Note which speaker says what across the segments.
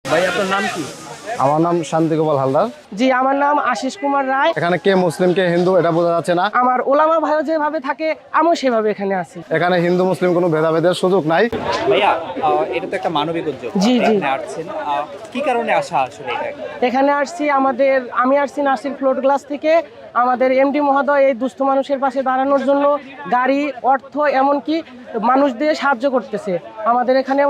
Speaker 1: ভাই আপনার নাম কি?
Speaker 2: আমার নাম শান্তি গোপাল হালদার।
Speaker 3: জি, আমার নাম আশিস কুমার রায়।
Speaker 2: এখানে কে মুসলিম কে হিন্দু এটা বোঝা যাচ্ছে না।
Speaker 3: আমার ওলামা ভাইও যেভাবে থাকে আমিও সেভাবে এখানে আছি।
Speaker 2: এখানে হিন্দু মুসলিম কোনো ভেদাভেদের সুযোগ নাই।
Speaker 1: ভাইয়া এটা তো একটা মানবিক উদ্যোগ।
Speaker 3: জি, জি।
Speaker 1: এখানে আসছেন কি কারণে আসা আসলে এটা?
Speaker 3: এখানে আসছি আমি আসছি নাসির ফ্লোট গ্লাস থেকে। আমাদের এমডি মহোদয় এই দুস্থ মানুষের পাশে দাঁড়ানোর জন্য গাড়ি, অর্থ, এমনকি মানুষ দিয়ে সাহায্য করতেছে। আমাদের এখানে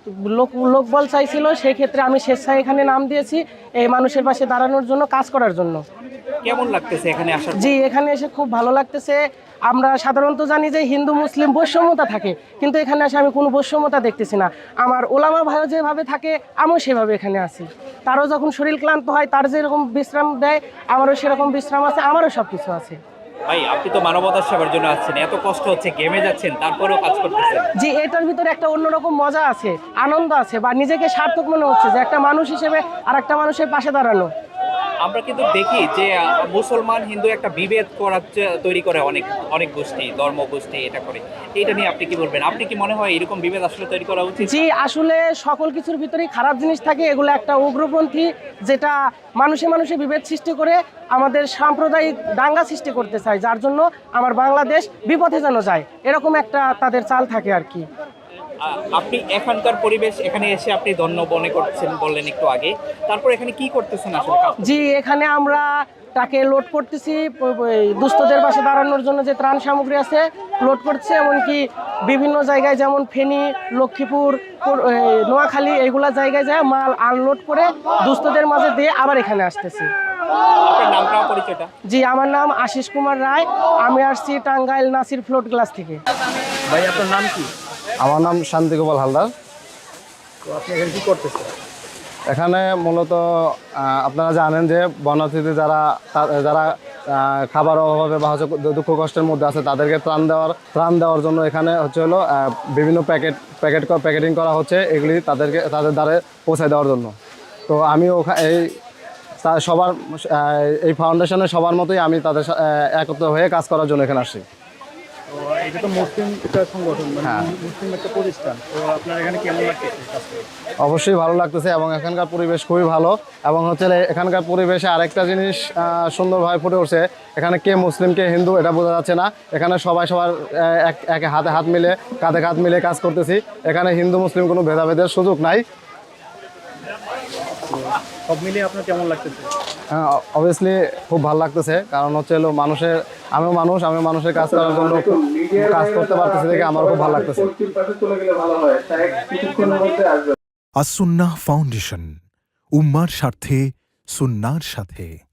Speaker 3: লোকবল চাইছিল, সেই ক্ষেত্রে আমি স্বেচ্ছায় এখানে নাম দিয়েছি এই মানুষের পাশে দাঁড়ানোর জন্য, কাজ করার জন্য।
Speaker 1: কেমন লাগতেছে এখানে আসার?
Speaker 3: জি, এখানে এসে খুব ভালো লাগতেছে। আমরা সাধারণত জানি যে হিন্দু মুসলিম বৈষম্যতা থাকে, কিন্তু এখানে এসে আমি কোনো বৈষম্যতা দেখতেছি না। আমার ওলামা ভাইও যেভাবে থাকে আমিও সেভাবে এখানে আছি। তারও যখন শরীর ক্লান্ত হয়, তার যেরকম বিশ্রাম দেয় আমারও সেরকম বিশ্রাম আছে, আমারও সব কিছু আছে।
Speaker 1: ভাই আপনি তো মানবতার সেবার জন্য আসছেন, এত কষ্ট হচ্ছে, ঘেমে যাচ্ছেন, তারপরেও কাজ করতেছেন।
Speaker 3: জি, এটার ভিতরে একটা অন্যরকম মজা আছে, আনন্দ আছে, বা নিজেকে সার্থক মনে হচ্ছে যে একটা মানুষ হিসেবে আর একটা মানুষের পাশে দাঁড়ানো।
Speaker 1: আমরা কিন্তু দেখি যে মুসলমান হিন্দু একটা বিভেদ তৈরি করে অনেক অনেক গোষ্ঠী, ধর্ম গোষ্ঠী এটা করে। এইটা নিয়ে আপনি কি বলবেন? আপনি কি মনে হয় এরকম বিভেদ আসলে তৈরি করা উচিত?
Speaker 3: জি, আসলে সকল কিছুর ভিতরেই খারাপ জিনিস থাকে। এগুলো একটা উগ্রপন্থী, যেটা মানুষে মানুষে বিভেদ সৃষ্টি করে আমাদের সাম্প্রদায়িক দাঙ্গা সৃষ্টি করতে চায়, যার জন্য আমার বাংলাদেশ বিপথে যেন যায়, এরকম একটা তাদের চাল থাকে আর কি।
Speaker 1: আপনি এখানকার পরিবেশ, এখানে এসে আপনি ধন্য মনে করছেন বললেন একটু আগে, তারপর এখানে কি করতেছেন আসলে?
Speaker 3: জি, এখানে আমরা তাকে লোড করতেছি, দুস্থদের পাশে দাঁড়ানোর জন্য যে ত্রাণ সামগ্রী আছে লোড করছে, এমনকি বিভিন্ন জায়গায় যেমন ফেনী, লক্ষ্মীপুর, নোয়াখালী এইগুলা জায়গায় যায় মাল আনলোড করে দুস্থদের মাঝে দিয়ে আবার এখানে আসতেছি।
Speaker 1: আপনার নামটা পরিচয়টা?
Speaker 3: জি, আমার নাম আশিস কুমার রায়। আমি আসছি টাঙ্গাইল নাসির ফ্লোট গ্লাস থেকে।
Speaker 1: ভাই আপনার নাম কি?
Speaker 2: আমার নাম শান্তি গোপাল হালদার।
Speaker 1: তো আপনি এখানে কি করতেছেন?
Speaker 2: এখানে মূলত আপনারা জানেন যে বনার্থীতে যারা যারা খাবার অভাবে বা হচ্ছে দুঃখ কষ্টের মধ্যে আছে তাদেরকে ত্রাণ দেওয়ার জন্য এখানে হচ্ছে হলো বিভিন্ন প্যাকেটিং করা হচ্ছে, এগুলি তাদের দ্বারে পৌঁছে দেওয়ার জন্য। তো আমি সবার এই ফাউন্ডেশনের সবার মতোই আমি তাদের একত্র হয়ে কাজ করার জন্য এখানে আসছি।
Speaker 1: এটা তো মুসলিম একটা সংগঠন,
Speaker 2: হ্যাঁ,
Speaker 1: মুসলিম একটা প্রতিষ্ঠান। তো আপনার এখানে কেমন লাগতেছে?
Speaker 2: অবশ্যই ভালো লাগতেছে এবং এখানকার পরিবেশ খুবই ভালো। এবং হচ্ছে এখানকার পরিবেশে আরেকটা জিনিস সুন্দরভাবে ফুটে উঠছে, এখানে কে মুসলিম কে হিন্দু এটা বোঝা যাচ্ছে না। এখানে সবার এক হাতে হাত মিলে, কাঁধে কাঁধ মিলে কাজ করতেছি। এখানে হিন্দু মুসলিম কোনো ভেদাভেদের সুযোগ নাই।
Speaker 1: সব মিলিয়ে আপনার কেমন লাগতেছে?
Speaker 2: অবভিয়াসলি খুব ভালো লাগতেছে, কারণ হচ্ছে আমি মানুষের কাজ করার জন্য কাজ করতে পারতেছি দেখে আমার খুব ভালো লাগতেছে।
Speaker 4: আস-সুন্নাহ ফাউন্ডেশন, উম্মার স্বার্থে সুন্নাহর সাথে।